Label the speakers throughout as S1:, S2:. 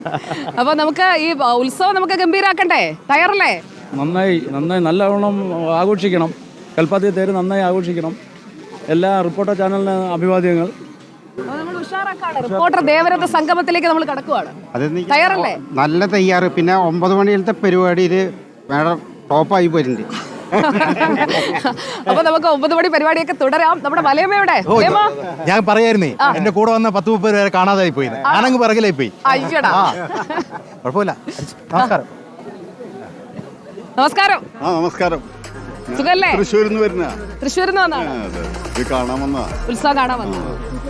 S1: അപ്പൊ നമുക്ക് ഈ ഉത്സവം നമുക്ക് ഗംഭീരാക്കണ്ടേ? തയ്യാറല്ലേ?
S2: നന്നായി നല്ലവണ്ണം ആഘോഷിക്കണം. കൽപ്പാത്തി തേര് നന്നായി ആഘോഷിക്കണം. എല്ലാ റിപ്പോർട്ടർ ചാനലിന് അഭിവാദ്യങ്ങൾ.
S1: റിപ്പോർട്ടർ ദേവരത്തെ സംഗമത്തിലേക്ക് നമ്മൾ കടക്കുവാണ്. തയ്യാറല്ലേ?
S3: നല്ല തയ്യാറ്. പിന്നെ 9 മണിയിലത്തെ പരിപാടിയിൽ മേഡം ടോപ്പായി പോയിട്ടുണ്ട്.
S1: അപ്പൊ നമുക്ക് 9 മണി പരിപാടിയൊക്കെ തുടരാം. നമ്മുടെ മലയമ്മയുടെ
S4: ഞാൻ പറയായിരുന്നേ, എന്റെ കൂടെ വന്ന 10-30 പേരെ കാണാതായി പോയി. ഞാനങ്ങ് പിറകിലായി പോയി.
S1: അയ്യടാ,
S4: കുഴപ്പമില്ല. നമസ്കാരം.
S1: നമസ്കാരം.
S5: നമസ്കാരം.
S1: സുഖല്ലേ?
S5: തൃശ്ശൂരിൽ നിന്ന് വരുന്ന.
S1: തൃശ്ശൂരിൽ നിന്ന് വന്നാണ് ഉത്സവം കാണാൻ വന്ന.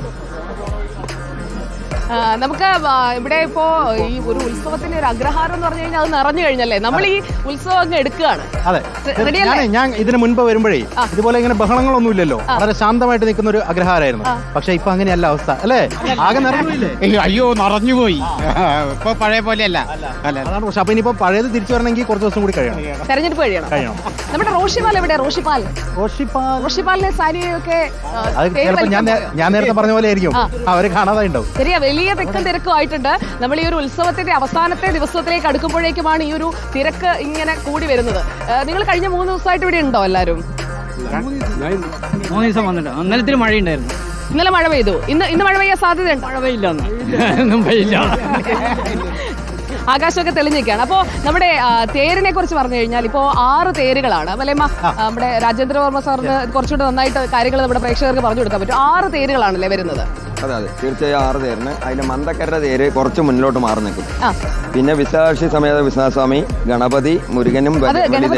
S1: നമുക്ക് ഇവിടെ ഇപ്പോ ഈ ഒരു ഉത്സവത്തിന്റെ ഒരു അഗ്രഹാരം എന്ന് പറഞ്ഞു കഴിഞ്ഞാൽ അത് നിറഞ്ഞു കഴിഞ്ഞല്ലേ? നമ്മൾ ഈ ഉത്സവം അങ്ങ് എടുക്കുകയാണ്.
S4: അതെ, ഞാൻ ഇതിന് മുൻപ് വരുമ്പോഴേ ഇതുപോലെ ഇങ്ങനെ ബഹളങ്ങളൊന്നും ഇല്ലല്ലോ, വളരെ ശാന്തമായിട്ട് നിൽക്കുന്ന ഒരു അഗ്രഹാരമായിരുന്നു. പക്ഷെ ഇപ്പൊ അങ്ങനെയല്ല അവസ്ഥ അല്ലേ? ആകെ നിറഞ്ഞില്ലേ?
S3: അയ്യോ, നിറഞ്ഞുപോയി. ഇപ്പൊ പഴയ പോലെയല്ല.
S4: അതാണ് പക്ഷെ. അപ്പൊ ഇനിയിപ്പോ പഴയത് തിരിച്ചു വരണമെങ്കിൽ കുറച്ച് ദിവസം കൂടി കഴിയണം.
S1: തെരഞ്ഞെടുപ്പ് കഴിയണം. നമ്മുടെ റോഷിപാൽ എവിടെ? റോഷിപാലിനെ സാരിയൊക്കെ
S4: അത് ചിലപ്പോ ഞാൻ നേരത്തെ പറഞ്ഞ പോലെ ആയിരിക്കും, അവര് കാണാതായി ഉണ്ടാവും.
S1: ശരിയാ, വലിയ തിക്കും തിരക്കും ആയിട്ടുണ്ട്. നമ്മൾ ഈ ഒരു ഉത്സവത്തിന്റെ അവസാനത്തെ ദിവസത്തിലേക്ക് അടുക്കുമ്പോഴേക്കുമാണ് ഈ ഒരു തിരക്ക് ഇങ്ങനെ കൂടി വരുന്നത്. നിങ്ങൾ കഴിഞ്ഞ 3 ദിവസമായിട്ട് ഇവിടെ ഉണ്ടോ എല്ലാവരും?
S2: 3 ദിവസം വന്നിട്ട്. ഇന്നലത്തിൽ മഴയുണ്ടായിരുന്നു.
S1: ഇന്നലെ മഴ പെയ്തു. ഇന്ന് മഴ പെയ്യാൻ സാധ്യതയുണ്ട്?
S2: മഴ പെയ്യില്ല.
S1: ആകാശമൊക്കെ തെളിഞ്ഞിരിക്കുകയാണ്. അപ്പോൾ നമ്മുടെ തേരിനെ കുറിച്ച് പറഞ്ഞു കഴിഞ്ഞാൽ ഇപ്പോൾ 6 തേരുകളാണ്. മലയമ്മ, നമ്മുടെ രാജേന്ദ്രവർമ്മ സാറിന് കുറച്ചുകൂടെ നന്നായിട്ട് കാര്യങ്ങൾ നമ്മുടെ പ്രേക്ഷകർക്ക് പറഞ്ഞു കൊടുക്കാൻ പറ്റും. 6 തേരുകളാണല്ലേ വരുന്നത്?
S6: അതെ, തീർച്ചയായും 6 തേരിന്. അതിന് മന്ദക്കര തേര് കുറച്ച് മുന്നിലോട്ട് മാറി നിൽക്കും. പിന്നെ വിശാക്ഷി സമേത വിശ്വനാഥസ്വാമി, ഗണപതി, മുരുകനും
S1: ഉണ്ട്.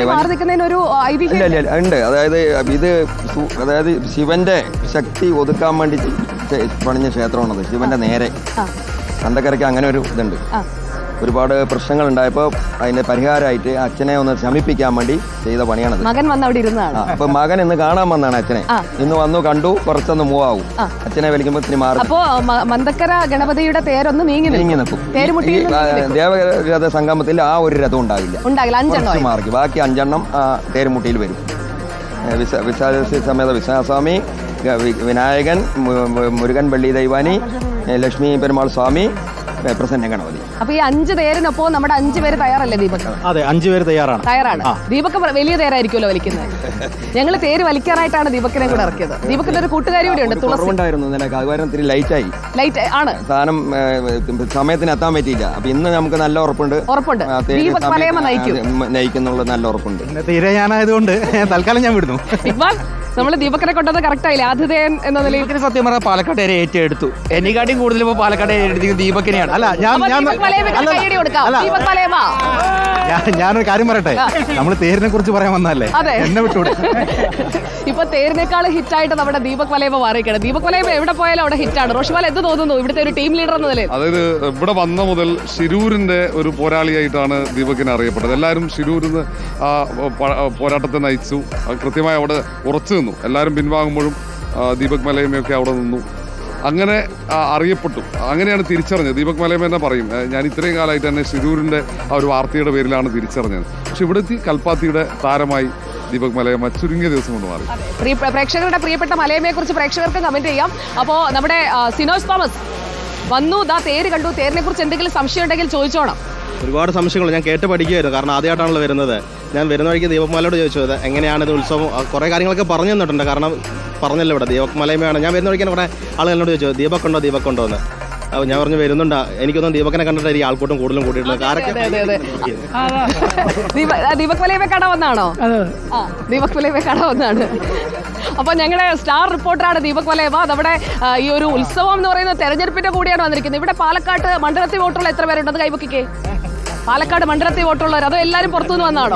S6: അതായത് ശിവന്റെ ശക്തി ഒതുക്കാൻ വേണ്ടി പണിഞ്ഞ ക്ഷേത്രമാണത്. ശിവന്റെ നേരെ മന്ദക്കരയ്ക്ക് അങ്ങനെ ഒരു ഇതുണ്ട്. ഒരുപാട് പ്രശ്നങ്ങൾ ഉണ്ടായപ്പോൾ അതിന്റെ പരിഹാരമായിട്ട് അച്ഛനെ ഒന്ന് ശമിപ്പിക്കാൻ വേണ്ടി ചെയ്ത പണിയാണത്.
S1: മകൻ വന്ന് അവിടെ ഇരുന്നതാണ്.
S6: അപ്പൊ മകൻ ഇന്ന് കാണാൻ വന്നാണ് അച്ഛനെ. ഇന്ന് വന്നു കണ്ടു, കുറച്ചൊന്ന് മൂവ് ആവും. അച്ഛനെ വലിക്കുമ്പോ ഇത്തിരി മാറി.
S1: അപ്പോ മന്ദക്കര ഗണപതിയുടെ തേരൊന്ന് നീങ്ങി നിൽക്കും.
S6: ദേവരഥ സംഗമത്തിൽ ആ ഒരു രഥം ഉണ്ടാകില്ല.
S1: 5
S6: മാർക്ക് ബാക്കി 5 തേരുമുട്ടിയിൽ വരും. വിശാലി സമേത വിശ്വനാഥസ്വാമി, വിനായകൻ, മുരുകൻ പള്ളി ദൈവാനി, ലക്ഷ്മി പെരുമാൾ സ്വാമി, പ്രസന്ന ഗണപതി.
S1: അപ്പൊ ഈ 5 തേരിനൊപ്പം നമ്മുടെ 5 പേര് തയ്യാറല്ലേ ദീപക്?
S4: അതെ, 5 പേര് തയ്യാറാണ്.
S1: ദീപക് വലിയ തേരായിരിക്കുമല്ലോ വലിക്കുന്നത്. ഞങ്ങൾ തേര് വലിക്കാനായിട്ടാണ് ദീപക്കിനെ കൂടെ ഇറക്കിയത്. ദീപക്കിന്റെ ഒരു കൂട്ടുകാരി കൂടെ ഉണ്ട്, തുളസി. ലൈറ്റ് ആണ് സാധനം,
S6: സമയത്തിന് എത്താൻ പറ്റിയില്ല. അപ്പൊ ഇന്ന് നമുക്ക് നല്ല ഉറപ്പുണ്ട്.
S1: ദീപക് മലയമ്മ
S6: നയിക്കുന്നുള്ള നല്ല ഉറപ്പുണ്ട്.
S4: തീരെ ഞാനായതുകൊണ്ട് തൽക്കാലം ഞാൻ വിടുന്നു.
S1: ഇക്ബാൽ, നമ്മള് ദീപക്കിനെ കൊണ്ടത് കറക്റ്റ് ആയില്ലേ? ആതിഥേയൻ എന്ന നിലയിൽ
S7: സത്യം പറഞ്ഞാൽ പാലക്കാട് വരെ ഏറ്റെടുത്തു. എന്നെക്കാട്ടിയും കൂടുതൽ ഇപ്പോൾ പാലക്കാട് ഏറ്റെടുത്തത് ദീപക്കിനെയാണ്.
S4: അല്ല, ഞാനൊരു കാര്യം പറയട്ടെ, നമ്മള് തേരിനെ കുറിച്ച് പറയാൻ വന്നല്ലേ, എന്നെ വിട്ടൂടെ?
S1: ഇപ്പൊ തേരിനേക്കാൾ ഹിറ്റായിട്ട് നമ്മുടെ ദീപക് മലയമ്മ മാറിയിരിക്കണം. ദീപക് മലയമ്മ എവിടെ പോയാലും അവിടെ ഹിറ്റാണ്. റോഷിപാൽ എന്ത് തോന്നുന്നു ഇവിടുത്തെ ഒരു ടീം ലീഡർ എന്ന നിലയിൽ?
S5: അതായത് ഇവിടെ വന്ന മുതൽ ശിരൂരിന്റെ ഒരു പോരാളിയായിട്ടാണ് ദീപകിനെ അറിയപ്പെട്ടത്. എല്ലാവരും ശിരൂരിന്ന് ആ പോരാട്ടത്തെ നയിച്ചു. കൃത്യമായി അവിടെ ഉറച്ചു നിന്നു. എല്ലാവരും പിൻവാങ്ങുമ്പോഴും ദീപക് മലയമ്മയൊക്കെ അവിടെ നിന്നു. അങ്ങനെ അറിയപ്പെട്ടു. അങ്ങനെയാണ് തിരിച്ചറിഞ്ഞത്. ദീപക് മലയമ്മ തന്നെ പറയും, ഞാൻ ഇത്രയും കാലമായിട്ട് തന്നെ ശിരൂരിന്റെ ആ ഒരു വാർത്തയുടെ പേരിലാണ് തിരിച്ചറിഞ്ഞത്. പക്ഷെ ഇവിടുത്തെ കൽപ്പാത്തിയുടെ താരമായി ദീപക് മലയമ്മ ചുരുങ്ങിയ ദിവസം കൊണ്ട് മാറി.
S1: പ്രേക്ഷകരുടെ പ്രിയപ്പെട്ട മലയമ്മയെ കുറിച്ച് പ്രേക്ഷകർക്ക് കമന്റ് ചെയ്യാം. അപ്പോൾ നമ്മുടെ സിനോജ് തോമസ് വന്നു, തേര് കണ്ടു. തേരിനെ കുറിച്ച് എന്തെങ്കിലും സംശയം ഉണ്ടെങ്കിൽ ചോദിച്ചോണം.
S8: ഒരുപാട് സംശയങ്ങൾ ഞാൻ കേട്ട് പഠിക്കുകയായിരുന്നു. കാരണം ആദ്യമായിട്ടാണല്ലോ വരുന്നത്. ഞാൻ വരുന്ന വഴിക്ക് ദീപക്മലയോട് ചോദിച്ചത് എങ്ങനെയാണിത് ഉത്സവം, കുറേ കാര്യങ്ങളൊക്കെ പറഞ്ഞു തന്നിട്ടുണ്ട്. കാരണം പറഞ്ഞല്ലോ ഇവിടെ ദീപക് മലയമ്മയാണ്. ഞാൻ വരുന്ന വഴിക്ക് കുറേ ആളുകൾ എന്നോട് ചോദിച്ചു ദീപക് ഉണ്ടോ എന്ന്. അപ്പോൾ ഞാൻ പറഞ്ഞു വരുന്നുണ്ടാ. എനിക്കൊന്നും ദീപകിനെ കണ്ടിട്ടായിരിക്കും ആൾക്കൂട്ടം കൂടുതലും കൂട്ടിയിട്ടുള്ളത്.
S1: ദീപക് മലയമ്മ കാണാൻ വന്നാണോ? ദീപക് മലയമ്മ കാണാൻ വന്നാണ്. അപ്പൊ ഞങ്ങളുടെ സ്റ്റാർ റിപ്പോർട്ടറാണ് ദീപക് മലയമ്മ. നമ്മുടെ ഈ ഒരു ഉത്സവം എന്ന് പറയുന്ന തെരഞ്ഞെടുപ്പിന്റെ കൂടിയാണ് വന്നിരിക്കുന്നത്. ഇവിടെ പാലക്കാട് മണ്ഡലത്തിൽ വോട്ടുള്ള എത്ര പേരുണ്ടെന്ന് കൈവക്കിക്കേ. പാലക്കാട് മണ്ഡലത്തിൽ വോട്ടുള്ളവർ അതോ എല്ലാവരും പുറത്തുനിന്ന് വന്നാണോ?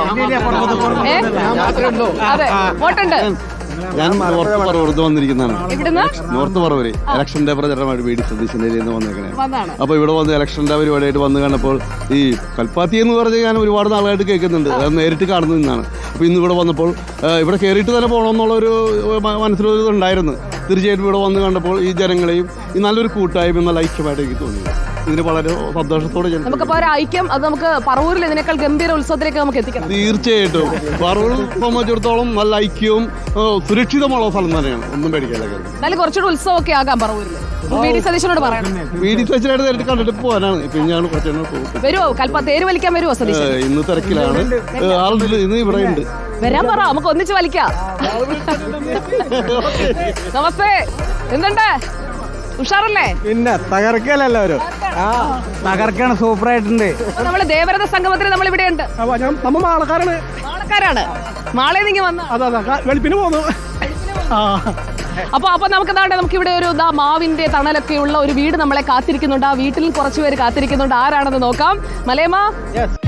S1: അതെ, വോട്ടുണ്ട്.
S5: ഞാൻ നോർത്ത് പറവൂർ വന്നിരിക്കുന്നതാണ്. നോർത്ത് പറവൂര് ഇലക്ഷന്റെ പ്രചരണമായിട്ട് വീട് സതീശന്റെ വന്നേക്കണേ. അപ്പൊ ഇവിടെ വന്ന് ഇലക്ഷന്റെ പരിപാടിയായിട്ട് വന്ന് കണ്ടപ്പോൾ ഈ കൽപ്പാത്തി എന്ന് പറഞ്ഞ് ഞാൻ ഒരുപാട് നാളായിട്ട് കേൾക്കുന്നുണ്ട്. അത് നേരിട്ട് കാണുന്നതാണ്. അപ്പൊ ഇന്ന് ഇവിടെ വന്നപ്പോൾ ഇവിടെ കയറിയിട്ട് തന്നെ പോകണമെന്നുള്ളൊരു മനസ്സിലൊരു ഇതുണ്ടായിരുന്നു. തീർച്ചയായിട്ടും ഇവിടെ വന്ന് കണ്ടപ്പോൾ ഈ ജനങ്ങളെയും ഈ നല്ലൊരു കൂട്ടായ്മ നല്ല ഐക്യമായിട്ട് എനിക്ക് തോന്നി.
S9: ഇതിന് വളരെ സന്തോഷത്തോടെ ഞാൻ
S1: നമുക്കപ്പോ ഒരു ഐക്യം അത് നമുക്ക് പറവൂരിൽ ഇതിനേക്കാൾ ഗംഭീര ഉത്സവത്തിലേക്ക് നമുക്ക് എത്തിക്കണം.
S9: തീർച്ചയായിട്ടും പറവൂർ സംബന്ധിച്ചിടത്തോളം നല്ല ഐക്യവും സുരക്ഷിതമുള്ള സ്ഥലം തന്നെയാണ്. ഒന്നും പേടിക്കാനുള്ള കാര്യം.
S1: എന്നാലും കുറച്ചുകൂടി ഉത്സവമൊക്കെ ആകാം പറവൂരിൽ. വി.ഡി. സതീശനോട് പറയണം.
S9: വി.ഡി. സതീശനായിട്ട് നേരിട്ട് കണ്ടിട്ട് പോകാനാണ്. ഇപ്പൊ ഞാൻ കുറച്ചെണ്ണം പോകും.
S1: വരുമോ? തേര് വലിക്കാൻ വരുമോ സതീശൻ?
S9: ഇന്ന് തിരക്കിലാണ്. ആളുണ്ട്, ഇന്ന് ഇവിടെ ഉണ്ട്.
S1: വരാൻ പറ, നമുക്ക് ഒന്നിച്ച് വലിക്കാം. നമസ്തേ, എന്തുണ്ട്? ഉഷാറല്ലേ?
S3: പിന്നെ തകർക്കലെല്ലാവരും തകർക്കാണ്. സൂപ്പർ ആയിട്ടുണ്ട്.
S1: നമ്മള് ദേവരഥ സംഗമത്തിന് നമ്മൾ ഇവിടെ ഉണ്ട്.
S3: നമ്മ ആൾക്കാരാണ്.
S1: മാളെ നിങ്ങൾ വന്ന
S3: വെളുപ്പിന് പോന്നു.
S1: അപ്പൊ നമുക്ക് ഇവിടെ ഒരു മാവിന്റെ തണലൊക്കെ ഉള്ള ഒരു വീട് നമ്മളെ കാത്തിരിക്കുന്നുണ്ട്. ആ വീട്ടിൽ കുറച്ചുപേര് കാത്തിരിക്കുന്നുണ്ട്. ആരാണെന്ന് നോക്കാം. മലയമ്മ,